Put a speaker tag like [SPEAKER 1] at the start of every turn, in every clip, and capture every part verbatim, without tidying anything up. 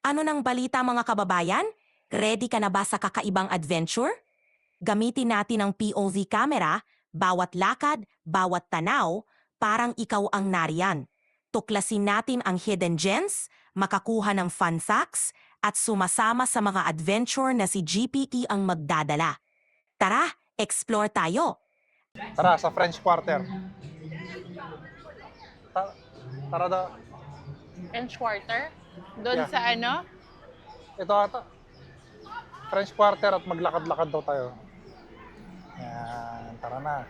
[SPEAKER 1] Ano nang balita mga kababayan? Ready ka na ba sa kakaibang adventure? Gamitin natin ang P O V camera, bawat lakad, bawat tanaw, parang ikaw ang nariyan. Tuklasin natin ang hidden gems, makakuha ng fun facts, at sumasama sa mga adventure na si G P T ang magdadala. Tara, explore tayo!
[SPEAKER 2] Tara, sa French Quarter. Ta tara daw.
[SPEAKER 3] French Quarter? Doon
[SPEAKER 2] Yeah.
[SPEAKER 3] sa ano?
[SPEAKER 2] Ito ata. French Quarter at maglakad-lakad daw tayo. Yan, tara na.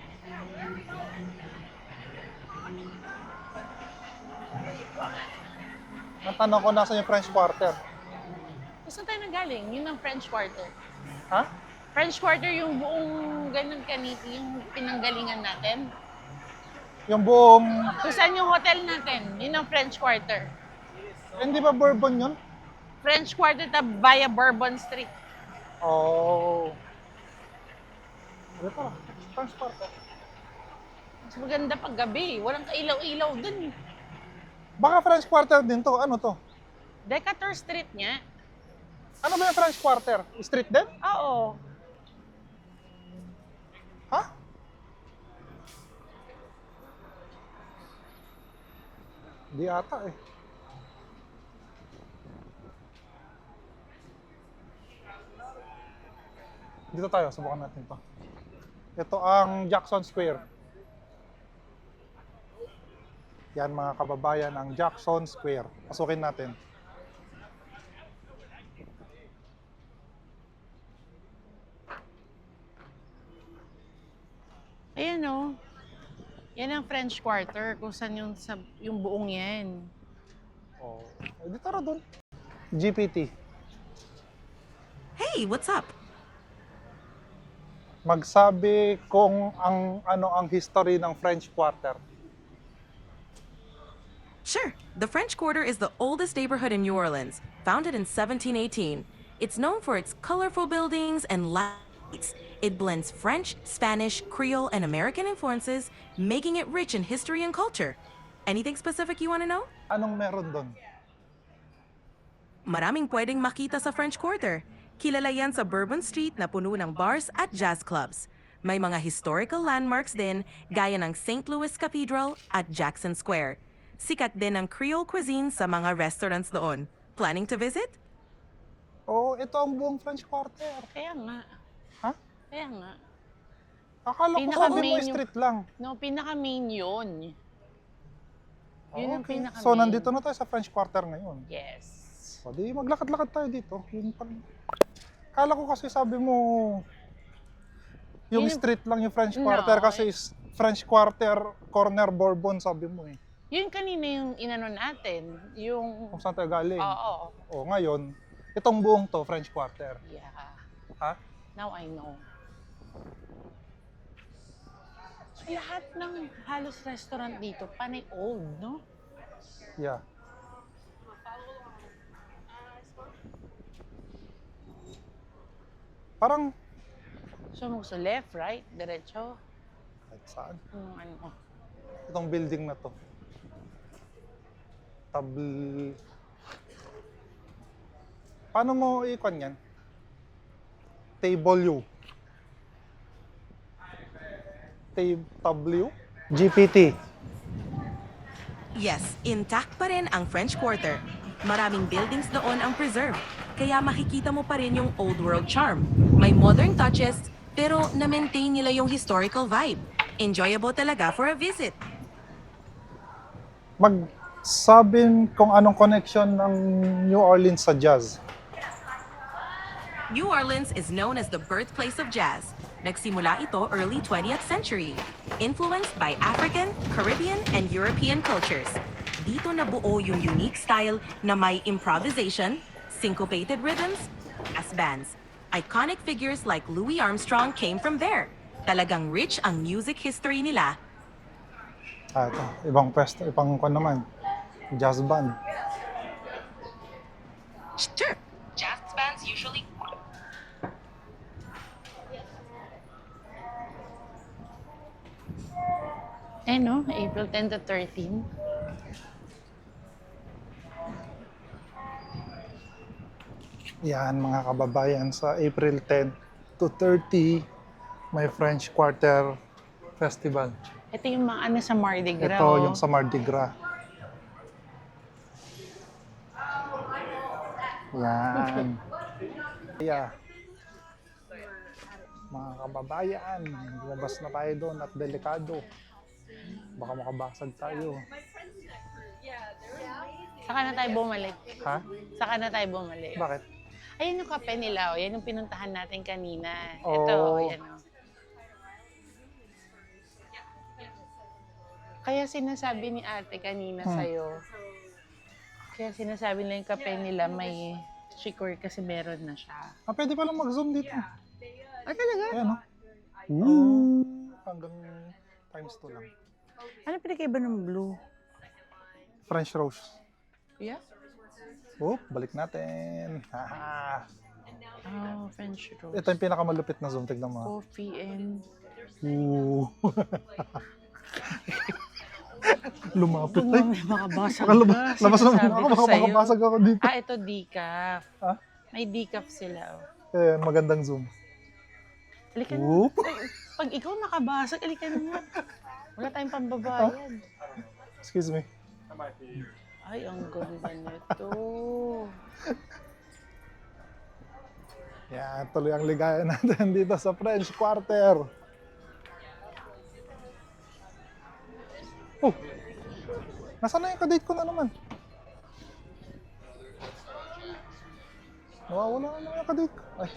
[SPEAKER 2] Natanong ko nasa yung French Quarter.
[SPEAKER 3] Saan tayo nanggaling? Yun ang French Quarter.
[SPEAKER 2] Ha?
[SPEAKER 3] French Quarter yung buong ganun kaniti, yung pinanggalingan natin.
[SPEAKER 2] Yung buong...
[SPEAKER 3] Kung saan yung hotel natin? Yun ang French Quarter.
[SPEAKER 2] Hindi ba Bourbon yun?
[SPEAKER 3] French Quarter ta via Bourbon Street.
[SPEAKER 2] Oh. Ito, French Quarter.
[SPEAKER 3] Mas maganda pag gabi. Walang kailaw-ilaw dun. eh.
[SPEAKER 2] Baka French Quarter din to. Ano to?
[SPEAKER 3] Decatur Street niya.
[SPEAKER 2] Ano ba yung French Quarter? Street din?
[SPEAKER 3] Oo.
[SPEAKER 2] Ha? Di ata eh. Dito tayo, subukan natin to. Ito ang Jackson Square. Yan mga kababayan, ang Jackson Square. Pasukin natin.
[SPEAKER 3] Ayan o. Yan ang French Quarter. Kung saan yung, sa, yung buong yan.
[SPEAKER 2] Oh, eh, di tara doon. G P T.
[SPEAKER 1] Hey, what's up?
[SPEAKER 2] Magsabi kung ang ano ang history ng French Quarter.
[SPEAKER 1] Sure. The French Quarter is the oldest neighborhood in New Orleans, founded in seventeen eighteen. It's known for its colorful buildings and lights. It blends French, Spanish, Creole, and American influences, making it rich in history and culture. Anything specific you want to know?
[SPEAKER 2] Anong meron doon?
[SPEAKER 1] Maraming pwedeng makita sa French Quarter. Kilala yan sa Bourbon Street na puno ng bars at jazz clubs. May mga historical landmarks din, gaya ng Saint Louis Cathedral at Jackson Square. Sikat din ang Creole cuisine sa mga restaurants doon. Planning to visit?
[SPEAKER 2] Oh, ito ang buong French Quarter.
[SPEAKER 3] Kaya nga.
[SPEAKER 2] Ha?
[SPEAKER 3] Kaya nga.
[SPEAKER 2] Akala ko
[SPEAKER 3] Pinaka
[SPEAKER 2] sabi mo
[SPEAKER 3] main yung-
[SPEAKER 2] street lang.
[SPEAKER 3] No, pinaka-main yun. Yun ang
[SPEAKER 2] Okay.
[SPEAKER 3] pinaka-main.
[SPEAKER 2] So, nandito na tayo sa French Quarter ngayon.
[SPEAKER 3] Yes.
[SPEAKER 2] O, di maglakad-lakad tayo dito. Yun pa. Akala ko kasi sabi mo yung
[SPEAKER 3] Yun yung-
[SPEAKER 2] street lang yung French
[SPEAKER 3] No,
[SPEAKER 2] Quarter kasi
[SPEAKER 3] eh.
[SPEAKER 2] is French Quarter, corner Bourbon sabi mo eh.
[SPEAKER 3] Yun kanina yung inano natin. Yung...
[SPEAKER 2] Kung saan tayo galing.
[SPEAKER 3] Oo.
[SPEAKER 2] O, ngayon, itong buong to, French Quarter.
[SPEAKER 3] Yeah.
[SPEAKER 2] Ha?
[SPEAKER 3] Now I know. So, lahat ng halos restaurant dito, panay old, no?
[SPEAKER 2] Yeah. Parang,
[SPEAKER 3] So, mo gusto left, right, diretso.
[SPEAKER 2] kahit saan.
[SPEAKER 3] Yung ano.
[SPEAKER 2] Itong building na to. Tabl... Paano mo ikon yan? Table U. Tab W? G P T.
[SPEAKER 1] Yes, intact pa rin ang French Quarter. Maraming buildings doon ang preserved, kaya makikita mo pa rin yung old world charm. May modern touches, pero na-maintain nila yung historical vibe. Enjoyable talaga for a visit.
[SPEAKER 2] Magsabing kung anong connection ng New Orleans sa jazz.
[SPEAKER 1] New Orleans is known as the birthplace of jazz. Nagsimula ito early twentieth century, influenced by African, Caribbean, and European cultures. Dito nabuo yung unique style na may improvisation, syncopated rhythms, brass bands. Iconic figures like Louis Armstrong came from there. Talagang rich ang music history nila.
[SPEAKER 2] Ah, ito. Ibang pwesto, ibang kwan naman. Jazz band.
[SPEAKER 1] Sure, jazz bands usually
[SPEAKER 3] Eh no, April tenth to thirteen.
[SPEAKER 2] Yan mga kababayan, sa April ten to thirty, may French Quarter Festival.
[SPEAKER 3] Ito yung mga ano sa Mardi Gras.
[SPEAKER 2] Ito
[SPEAKER 3] oh.
[SPEAKER 2] yung sa Mardi Gras. Yan. Yeah. Mga kababayan, lumabas na tayo doon at delikado. Baka makabasag tayo.
[SPEAKER 3] Saka na tayo bumalik.
[SPEAKER 2] Ha?
[SPEAKER 3] Saka na tayo bumalik.
[SPEAKER 2] Bakit?
[SPEAKER 3] Ayun yung kape nila, oh. Yan yung pinuntahan natin kanina.
[SPEAKER 2] Oh.
[SPEAKER 3] Ito, yan oh. Kaya sinasabi ni ate kanina
[SPEAKER 2] Hmm.
[SPEAKER 3] sa'yo, kaya sinasabi nila yung kape nila may chicory kasi meron na siya.
[SPEAKER 2] Ah, pwede palang mag-zoom dito.
[SPEAKER 3] Ah, talaga?
[SPEAKER 2] Ayan, no? Ooh. Hanggang times two lang.
[SPEAKER 3] Ano pinakaiba ng blue?
[SPEAKER 2] French rose.
[SPEAKER 3] Yeah?
[SPEAKER 2] Oh, balik natin. Haha.
[SPEAKER 3] Oh, French rose.
[SPEAKER 2] Ito yung pinakamalupit na zoom. Tignan mo.
[SPEAKER 3] Coffee and...
[SPEAKER 2] Ooh. Lumapit
[SPEAKER 3] Huwag
[SPEAKER 2] tayo.
[SPEAKER 3] mo may makabasag
[SPEAKER 2] Baka
[SPEAKER 3] ka.
[SPEAKER 2] lab- labas naman
[SPEAKER 3] Sinasabi
[SPEAKER 2] ako.
[SPEAKER 3] ko
[SPEAKER 2] Baka
[SPEAKER 3] sa'yo.
[SPEAKER 2] makabasag ako dito.
[SPEAKER 3] Ah, ito decaf.
[SPEAKER 2] Ha?
[SPEAKER 3] May decaf sila. Oh.
[SPEAKER 2] Ayan, magandang zoom.
[SPEAKER 3] Halika na.
[SPEAKER 2] Ooh.
[SPEAKER 3] Ay, pag ikaw nakabasag, halika na. Wala tayong pambabayad.
[SPEAKER 2] Excuse me.
[SPEAKER 3] Ay, ang ganda nito.
[SPEAKER 2] Yan, tuloy ang ligaya natin dito sa French Quarter. Oh, nasaan na yung kadate ko na naman? Nawawala na naman yung kadate ko. Ay.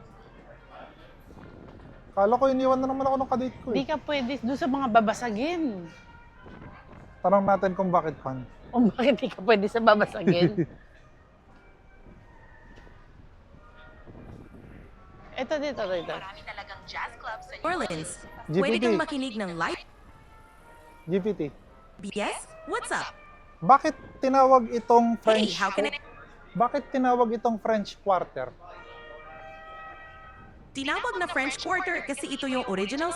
[SPEAKER 2] Kala ko iniwan na naman ako ng kadate ko
[SPEAKER 3] Di
[SPEAKER 2] eh.
[SPEAKER 3] ka pwede doon sa mga babasagin.
[SPEAKER 2] Tanong natin kung bakit pan.
[SPEAKER 3] O bakit di ka pwede sa babasagin? Ito dito, dito.
[SPEAKER 1] Marami talagang jazz club sa New Orleans.
[SPEAKER 2] G P
[SPEAKER 1] Pwede
[SPEAKER 2] T.
[SPEAKER 1] kang makinig ng live
[SPEAKER 2] G P T.
[SPEAKER 1] B S? What's up?
[SPEAKER 2] Bakit tinawag itong
[SPEAKER 1] Hey,
[SPEAKER 2] French
[SPEAKER 1] how can I...
[SPEAKER 2] Bakit tinawag itong French Quarter?
[SPEAKER 1] Tinawag na French Quarter kasi ito yung original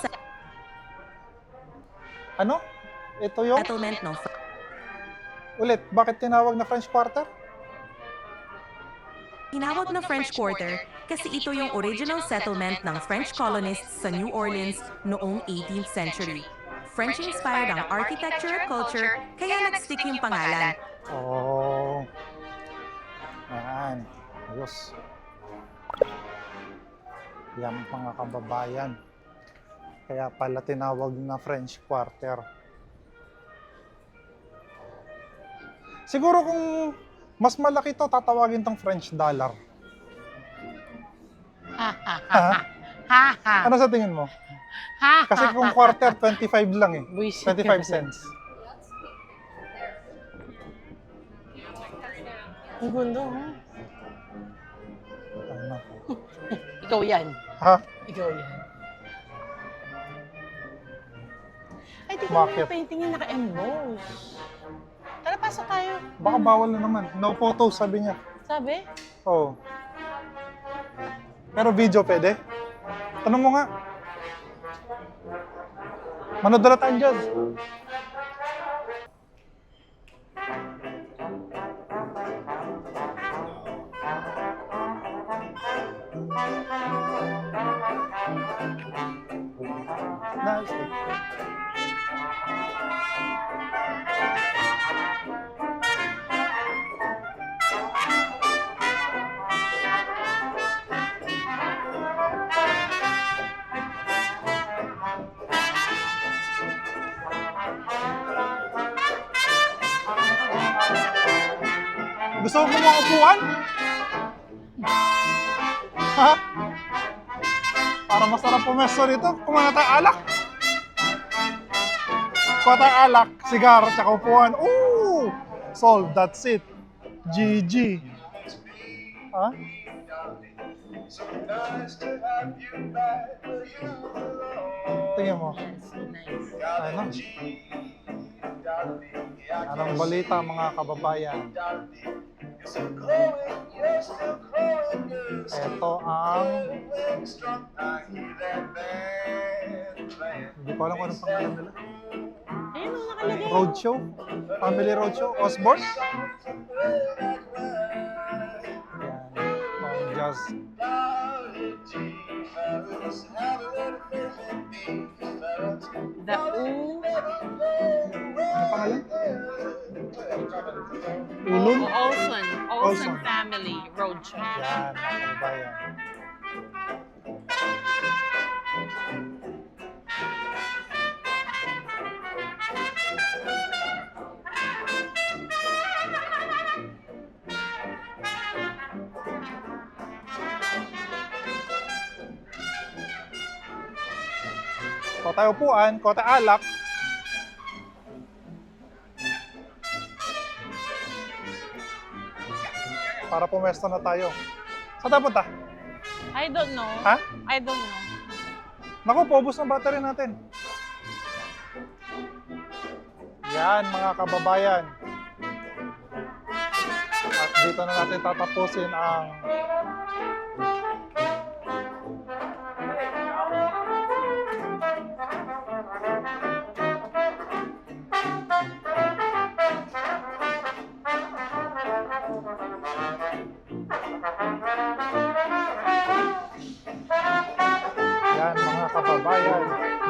[SPEAKER 2] Ano? Ito yung
[SPEAKER 1] settlement ng
[SPEAKER 2] ulit, bakit tinawag na French Quarter?
[SPEAKER 1] Tinawag na French Quarter kasi ito yung original settlement ng French colonists sa New Orleans noong eighteenth century. French-inspired ang architecture at culture, kaya nag-stick yung pangalan.
[SPEAKER 2] Oh. Ayan. Ayos. Yan mga kababayan. Kaya pala tinawag na French Quarter. Siguro kung mas malaki to, tatawagin tong French dollar.
[SPEAKER 3] Ha, ha, ha,
[SPEAKER 2] Ha?
[SPEAKER 3] ha, ha,
[SPEAKER 2] Ano sa tingin mo?
[SPEAKER 3] ha,
[SPEAKER 2] Kasi
[SPEAKER 3] ha,
[SPEAKER 2] kung
[SPEAKER 3] ha.
[SPEAKER 2] quarter, twenty-five lang eh.
[SPEAKER 3] Buisit ka
[SPEAKER 2] twenty-five
[SPEAKER 3] kasi.
[SPEAKER 2] cents.
[SPEAKER 3] Ang ganda, ha?
[SPEAKER 2] Ano?
[SPEAKER 3] Ikaw yan.
[SPEAKER 2] Ha?
[SPEAKER 3] Ikaw yan. Ay, di ka
[SPEAKER 2] Bakit?
[SPEAKER 3] na painting yung naka-emboss. Tara, pasok tayo.
[SPEAKER 2] Baka bawal na naman. No photos, sabi niya.
[SPEAKER 3] Sabi?
[SPEAKER 2] Oo. Pero video pwede? Tanong mo nga. Manood na tayo dyan. Nice. Gusto mo mga upuan? Ha? Para masarap pumesto rito, kumain na tayo alak. Kuha tayo alak, sigar, tsaka upuan. Ooh! Sold, that's it. G G. Ha? Tingnan mo.
[SPEAKER 3] Yes, nice.
[SPEAKER 2] Ano? Anong balita mga kababayan? Ito ang... Hindi ko alam kung anong pangalan nila.
[SPEAKER 3] Ayun, ang nakalagay.
[SPEAKER 2] Roadshow? Family Roadshow? Osborne? Yan. Bahamas.
[SPEAKER 3] The U.
[SPEAKER 2] Ano pangalan? Ulun?
[SPEAKER 3] Olson.
[SPEAKER 2] Olson.
[SPEAKER 3] Olson Family Road Trip.
[SPEAKER 2] Yan, mga kababayan. Kota upuan, kota alak. Para pumesto na tayo. Saan tayo punta?
[SPEAKER 3] I don't know.
[SPEAKER 2] Ha?
[SPEAKER 3] I don't know.
[SPEAKER 2] Naku, paubos ng battery natin. Yan, mga kababayan. At dito na natin tatapusin ang yan, mga kababayan.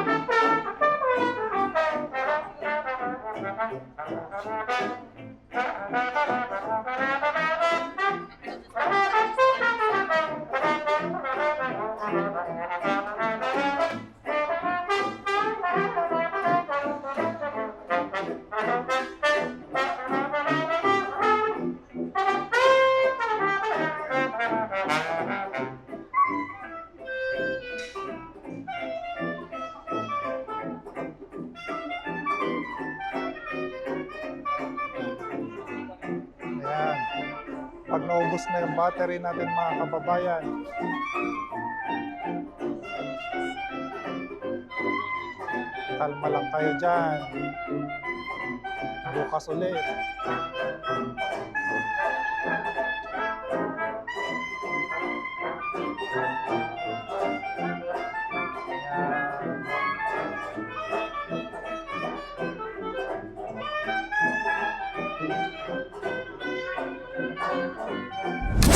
[SPEAKER 2] Ayan. Pag naubos na yung battery natin, mga kababayan, kalma lang kayo dyan. Bukas ulit. Ayan.